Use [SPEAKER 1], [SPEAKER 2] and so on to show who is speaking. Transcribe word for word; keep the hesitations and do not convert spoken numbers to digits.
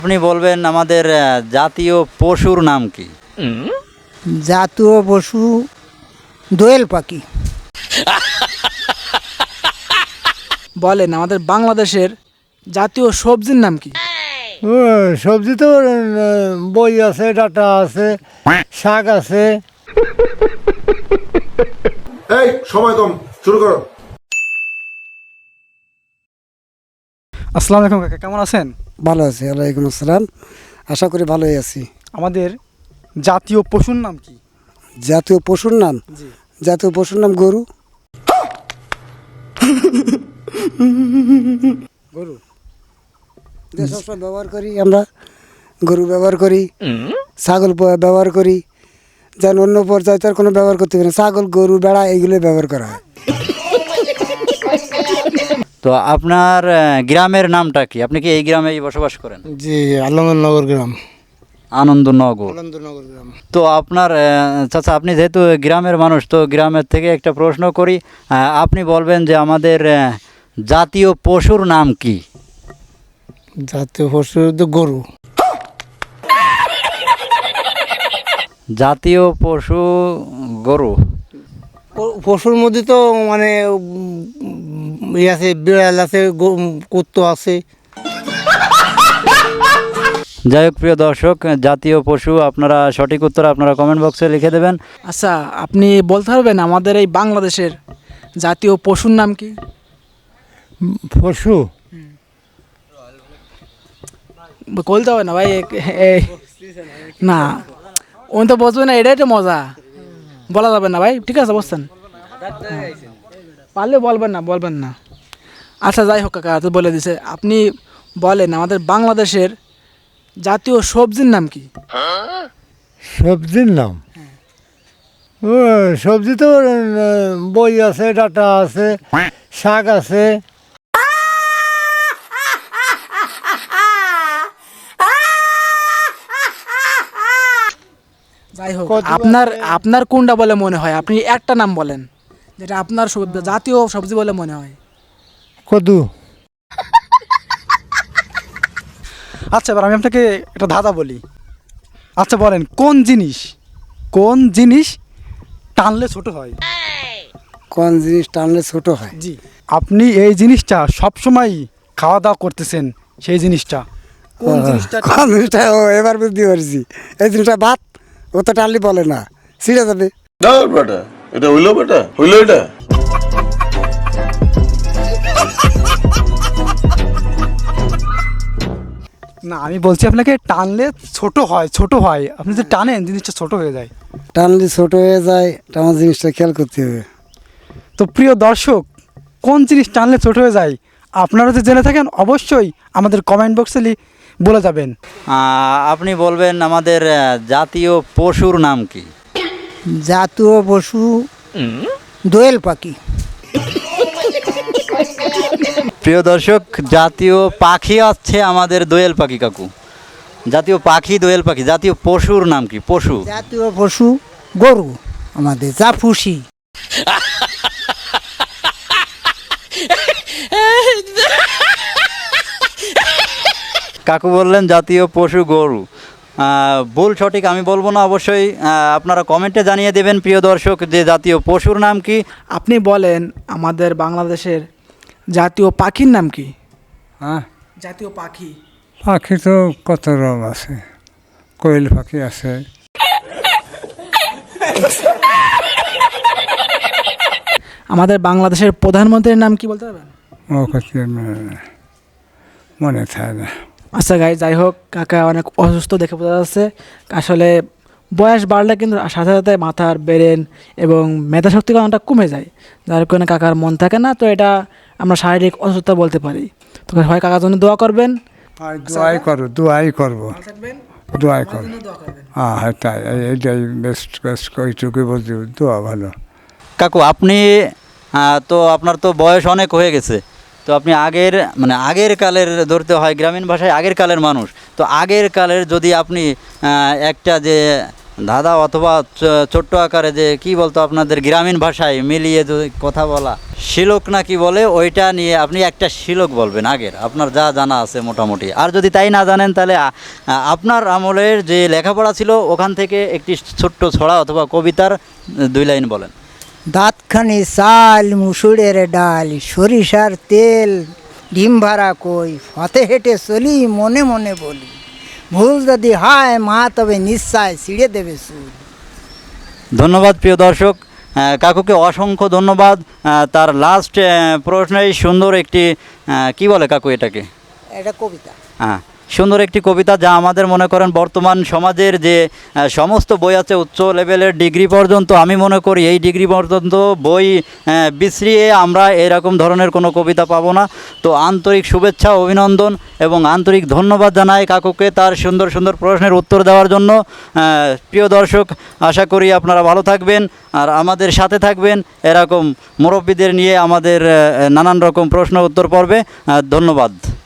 [SPEAKER 1] আপনি বলবেন আমাদের আহ, জাতীয় পশুর নাম কি?
[SPEAKER 2] জাতীয় পশু দোয়েল পাখি।
[SPEAKER 3] বলেন আমাদের বাংলাদেশের জাতীয় সবজির নাম কি?
[SPEAKER 4] ও, সবজি তো আহ, বই আছে, ডাটা আছে, শাক আছে।
[SPEAKER 5] এই সময় কম, শুরু করো।
[SPEAKER 3] আসসালামু আলাইকুম কাকা, কেমন আছেন?
[SPEAKER 2] ভালো আছি, ওয়ালাইকুম আসসালাম। আশা করি ভালোই আছি।
[SPEAKER 3] আমাদের জাতীয় পশুর নাম কি?
[SPEAKER 2] জাতীয় পশুর নাম
[SPEAKER 3] জি।
[SPEAKER 2] জাতীয় পশুর নাম গরু। গরু যে সবসময় ব্যবহার করি আমরা, গরু ব্যবহার করি, ছাগল প- ব্যবহার করি। যেন অন্য পর্যায়ে তার কোনো ব্যবহার করতে পারি না। ছাগল, গরু, বেড়া এইগুলো ব্যবহার করা হয়।
[SPEAKER 1] তো আপনার আহ, গ্রামের নামটা কি? আপনি কি এই গ্রামেই বসবাস করেন?
[SPEAKER 4] জি, আলমনগর গ্রাম।
[SPEAKER 1] আনন্দনগর।
[SPEAKER 4] আনন্দনগর গ্রাম।
[SPEAKER 1] তো আপনার আহ, চাচা, আপনি যেহেতু গ্রামের মানুষ, তো গ্রামের থেকে একটা প্রশ্ন করি। আহ, আপনি বলবেন যে আমাদের আহ, জাতীয় পশুর নাম কি?
[SPEAKER 4] জাতীয় পশু তো গরু।
[SPEAKER 1] জাতীয় পশু গরু।
[SPEAKER 4] প- পশুর মধ্যে তো মানে উম, ই আছে, বিড়াল আছে, গো- কুত্তো আছে।
[SPEAKER 1] যাই হোক প্রিয় দর্শক, জাতীয় পশু আপনারা সঠিক উত্তর আপনারা কমেন্ট বক্সে লিখে দেবেন।
[SPEAKER 3] আচ্ছা, আপনি বলতে পারবেন আমাদের এই বাংলাদেশের জাতীয় পশুর নাম কি?
[SPEAKER 4] পশু
[SPEAKER 3] বলতে হবে না ভাই, এ- এ- না ওন তো বসবে না, এটাই তো মজা। বলা যাবে না ভাই, ঠিক আছে বসছেন, পারলে বলবেন না, বলবেন না। আচ্ছা যাই হোক কাকা, তো বলে দিছে। আপনি বলেন আমাদের বাংলাদেশের জাতীয় সবজির নাম কি?
[SPEAKER 4] সবজির নাম। ও, সবজি তো আহ, বই আছে, ডাটা আছে, শাক আছে।
[SPEAKER 3] যাই হোক,
[SPEAKER 4] কত
[SPEAKER 3] আপনার
[SPEAKER 4] আছে?
[SPEAKER 3] আপনার কোনটা বলে মনে হয়? আপনি একটা নাম বলেন যেটা আপনার সব- জাতীয় সবজি বলে মনে হয়।
[SPEAKER 4] কদু।
[SPEAKER 3] আচ্ছা, এবার আমি আপনাকে একটা ধাঁধা বলি। আচ্ছা বলেন, কোন জিনিস কোন জিনিস টানলে ছোট হয়?
[SPEAKER 2] কোন জিনিস টানলে ছোট হয়?
[SPEAKER 3] জি, আপনি এই জিনিসটা সবসময় খাওয়া দাওয়া করতেছেন, সেই জিনিসটা কোন জিনিসটা?
[SPEAKER 2] কোন জিনিসটা? ও, এবার বুঝতে পারছি। এই জিনিসটা ভাত। ও তো টানলি বলে না, ছিঁড়ে যাবে।
[SPEAKER 5] না বেটা, এটা হইলো বেটা, হইলো এটা।
[SPEAKER 3] না, আমি বলছি আপনাকে টানলে ছোট হয়, ছোট হয়। আপনি যে টানেন জিনিসটা ছোট হয়ে যায়।
[SPEAKER 2] টানলি ছোট হয়ে যায়, টানা জিনিসটা খেয়াল করতে হবে।
[SPEAKER 3] তো প্রিয় দর্শক, কোন জিনিস টানলে ছোট হয়ে যায় আপনারা যদি জেনে থাকেন অবশ্যই আমাদের কমেন্ট বক্সে বলে যাবেন।
[SPEAKER 1] আহ, আপনি বলবেন আমাদের আহ, জাতীয় পশুর নাম কি?
[SPEAKER 2] জাতীয় পশু দোয়েল পাখি।
[SPEAKER 1] প্রিয় দর্শক, জাতীয় পাখি হচ্ছে আমাদের দোয়েল পাখি কাকু। জাতীয় পাখি দোয়েল পাখি। জাতীয় পশুর নাম কি? পশু।
[SPEAKER 2] জাতীয় পশু গরু, আমাদের জাফুসি।
[SPEAKER 1] কাকু বললেন জাতীয় পশু গরু। আহ, ভুল সঠিক আমি বলবো না, অবশ্যই আহ, আপনারা কমেন্টে জানিয়ে দেবেন প্রিয় দর্শক যে জাতীয় পশুর নাম কি।
[SPEAKER 3] আপনি বলেন আমাদের বাংলাদেশের জাতীয় পাখির নাম কি?
[SPEAKER 4] হ্যাঁ,
[SPEAKER 3] জাতীয় পাখি।
[SPEAKER 4] পাখি তো কত রকম আছে। কোয়েল পাখি আছে।
[SPEAKER 3] আমাদের বাংলাদেশের প্রধানমন্ত্রীর নাম কি বলতে পারবেন?
[SPEAKER 4] ও কথা মনে থাকে না।
[SPEAKER 3] আচ্ছা গাই, যাই হোক, কাকা অনেক অসুস্থ দেখে বোঝা যাচ্ছে। আসলে বয়স বাড়লে কিন্তু সাথে সাথে মাথার ব্রেন এবং মেধাশক্তি অনেকটা কমে যায়, যার কারণে কাকার মন থাকে না। তো এটা আমরা শারীরিক অসুস্থতা বলতে পারি। তো হয় কাকার জন্য দোয়া করবেন।
[SPEAKER 4] আর দোয়াই করো, দোয়াই করবো,
[SPEAKER 3] থাকবেন,
[SPEAKER 4] দোয়াই করো।
[SPEAKER 3] দোয়া করবেন।
[SPEAKER 4] হ্যাঁ হ্যাঁ, তাই এইটাই বেস্ট বেস্ট ওইটুকুই বলছি, দোয়া ভালো।
[SPEAKER 1] কাকু আপনি আহ, তো আপনার তো বয়স অনেক হয়ে গেছে, তো আপনি আগের মানে আগের কালের ধরতে হয়, গ্রামীণ ভাষায় আগের কালের মানুষ। তো আগের কালের যদি আপনি আহ, একটা যে ধাঁধা অথবা চ- ছোট্ট আকারে যে কি বলতো আপনাদের গ্রামীণ ভাষায় মিলিয়ে যদি কথা বলা শিলক না কি বলে ওইটা নিয়ে আপনি একটা শিলক বলবেন আগের আপনার যা জানা আছে মোটামুটি। আর যদি তাই না জানেন তাহলে আ- আ- আপনার আমলের যে লেখাপড়া ছিল ওখান থেকে একটি ছোট্ট ছড়া অথবা কবিতার আহ, দুই লাইন বলেন।
[SPEAKER 6] দাঁতখানি চাল মুসুরের ডাল সরিষার তেল ডিম ভাড়া কই ফতে হেঁটে চলি মনে মনে বলি ভুল যদি হয় মা তবে নিশ্চয় ছিঁড়ে দেবে চুল।
[SPEAKER 1] ধন্যবাদ প্রিয় দর্শক, আহ, কাকুকে অসংখ্য ধন্যবাদ। আহ, তার লাস্ট প্রশ্নেই সুন্দর একটি আহ, কি বলে কাকু এটাকে,
[SPEAKER 6] এটা কবিতা।
[SPEAKER 1] হ্যাঁ সুন্দর একটি কবিতা যা আমাদের মনে করেন বর্তমান সমাজের যে আহ, সমস্ত বই আছে উচ্চ লেভেলের ডিগ্রি পর্যন্ত, আমি মনে করি এই ডিগ্রি পর্যন্ত বই আহ, বিছড়িয়ে আমরা এরকম ধরনের কোনো কবিতা পাবো না। তো আন্তরিক শুভেচ্ছা অভিনন্দন এবং আন্তরিক ধন্যবাদ জানাই কাকুকে তার সুন্দর সুন্দর প্রশ্নের উত্তর দেওয়ার জন্য। আহ, প্রিয় দর্শক, আশা করি আপনারা ভালো থাকবেন আর আমাদের সাথে থাকবেন এরকম মুরব্বীদের নিয়ে আমাদের আহ, নানান রকম প্রশ্ন উত্তর পর্বে। আহ, ধন্যবাদ।